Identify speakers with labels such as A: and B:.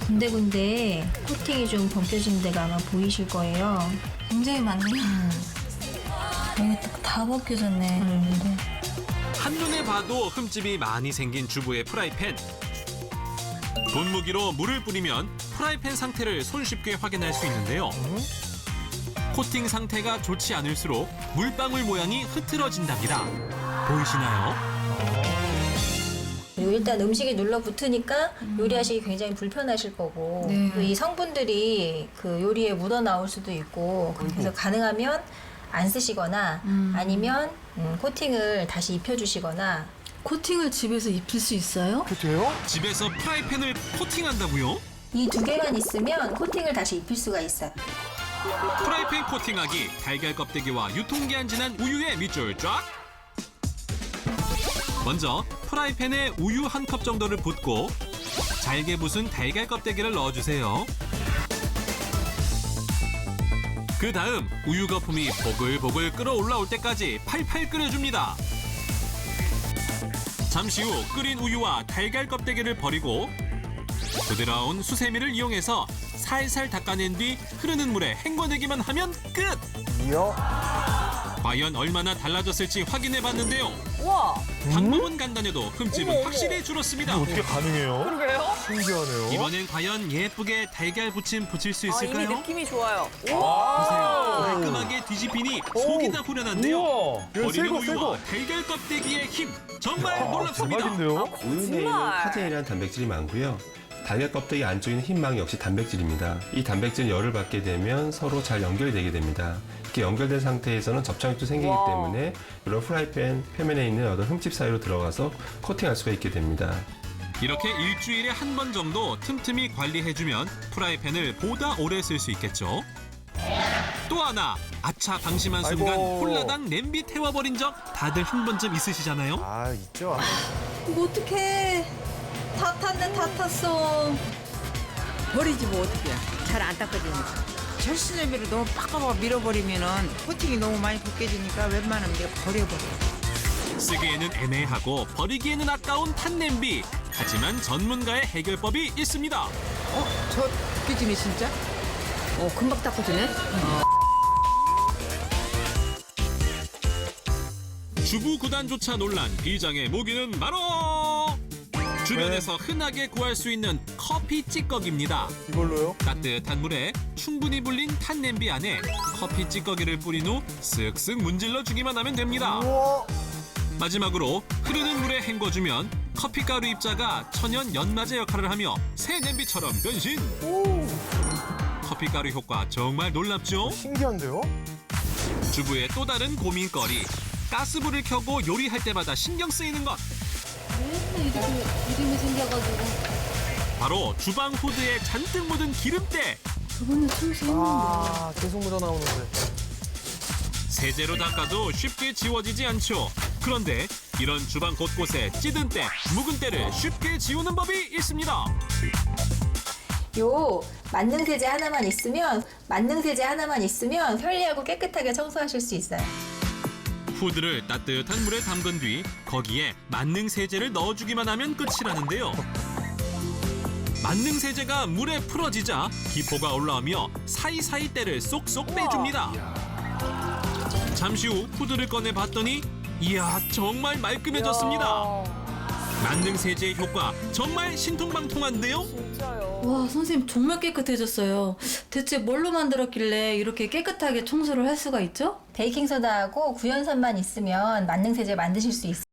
A: 군데군데 코팅이 좀 벗겨진 데가 아마 보이실 거예요.
B: 굉장히 많네요. 이게 다 벗겨졌네. 네.
C: 한눈에 봐도 흠집이 많이 생긴 주부의 프라이팬. 분무기로 물을 뿌리면 프라이팬 상태를 손쉽게 확인할 수 있는데요. 코팅 상태가 좋지 않을수록 물방울 모양이 흐트러진답니다. 보이시나요?
A: 그리고 일단 음식이 눌러붙으니까 요리하시기 굉장히 불편하실 거고
B: 네.
A: 또 이 성분들이 그 요리에 묻어 나올 수도 있고 그래서 가능하면 안 쓰시거나 아니면 코팅을 다시 입혀주시거나.
B: 코팅을 집에서 입힐 수 있어요?
D: 그래요?
C: 집에서 프라이팬을 코팅한다고요?
A: 이 두 개만 있으면 코팅을 다시 입힐 수가 있어요.
C: 프라이팬 코팅하기, 달걀 껍데기와 유통기한 지난 우유에 밑줄 쫙! 먼저 프라이팬에 우유 한 컵 정도를 붓고 잘게 부순 달걀 껍데기를 넣어주세요. 그 다음 우유 거품이 보글보글 끓어올라올 때까지 팔팔 끓여줍니다. 잠시 후 끓인 우유와 달걀 껍데기를 버리고 부드러운 수세미를 이용해서 살살 닦아낸 뒤 흐르는 물에 헹궈내기만 하면 끝!
D: 이야.
C: 과연 얼마나 달라졌을지 확인해봤는데요.
E: 우와,
C: 방법은 간단해도 흠집은 확실히 줄었습니다.
D: 어떻게 가능해요?
E: 그러게요?
D: 신기하네요.
C: 이번엔 과연 예쁘게 달걀 부침 붙일 수
E: 아, 이미
C: 있을까요?
E: 느낌이 좋아요.
C: 보세요. 깔끔하게 뒤집히니 속이 다 후련한데요.
D: 우와.
C: 버리는
D: 새거,
C: 우유와
D: 새거.
C: 달걀 껍데기의 힘 정말 놀랍습니다.
D: 대박인데요?
F: 우유 내에는 카제인이라는 단백질이 많고요. 달걀 껍데기 안쪽에 있는 흰망이 역시 단백질입니다. 이 단백질은 열을 받게 되면 서로 잘 연결되게 됩니다. 이렇게 연결된 상태에서는 접착력도 생기기
E: 와.
F: 때문에 이런 프라이팬 표면에 있는 어떤 흠집 사이로 들어가서 코팅할 수가 있게 됩니다.
C: 이렇게 일주일에 한 번 정도 틈틈이 관리해주면 프라이팬을 보다 오래 쓸 수 있겠죠. 또 하나, 아차 방심한 순간
D: 아이고.
C: 홀라당 냄비 태워버린 적 다들 한 번쯤 있으시잖아요.
D: 아, 있죠.
B: 이거 어떡해. 다 탔네, 다 탔어.
G: 버리지 뭐 어떻게 잘 안 닦아지니까 절수제비로 너무 빡빡 밀어버리면은 코팅이 너무 많이 벗겨지니까 웬만하면 내가 버려버려.
C: 쓰기에는 애매하고 버리기에는 아까운 탄냄비. 하지만 전문가의 해결법이 있습니다.
G: 저 벗겨지네 진짜.
E: 금방 닦아지네.
C: 주부 구단조차 놀란 비장의 무기는 바로 주변에서 흔하게 구할 수 있는 커피 찌꺼기입니다.
D: 이걸로요?
C: 따뜻한 물에 충분히 불린 탄냄비 안에 커피 찌꺼기를 뿌린 후 쓱쓱 문질러 주기만 하면 됩니다.
D: 우와.
C: 마지막으로 흐르는 물에 헹궈주면 커피가루 입자가 천연 연마제 역할을 하며 새 냄비처럼 변신. 커피가루 효과 정말 놀랍죠?
D: 신기한데요?
C: 주부의 또 다른 고민거리. 가스불을 켜고 요리할 때마다 신경 쓰이는 것.
B: 이름이 생겨가지고.
C: 바로 주방 후드에 잔뜩 묻은 기름때.
B: 저번에 청소했는데.
D: 아, 계속 묻어나오는데.
C: 세제로 닦아도 쉽게 지워지지 않죠. 그런데 이런 주방 곳곳에 찌든 때, 묵은 때를 쉽게 지우는 법이 있습니다.
A: 요 만능세제 하나만 있으면 편리하고 깨끗하게 청소하실 수 있어요.
C: 후드를 따뜻한 물에 담근 뒤 거기에 만능 세제를 넣어주기만 하면 끝이라는데요. 만능 세제가 물에 풀어지자 기포가 올라오며 사이사이 때를 쏙쏙 빼줍니다. 잠시 후 후드를 꺼내 봤더니 이야 정말 말끔해졌습니다. 만능 세제의 효과 정말 신통방통한데요.
E: 진짜요.
B: 와, 선생님 정말 깨끗해졌어요. 대체 뭘로 만들었길래 이렇게 깨끗하게 청소를 할 수가 있죠?
A: 베이킹소다하고 구연산만 있으면 만능세제 만드실 수 있어요.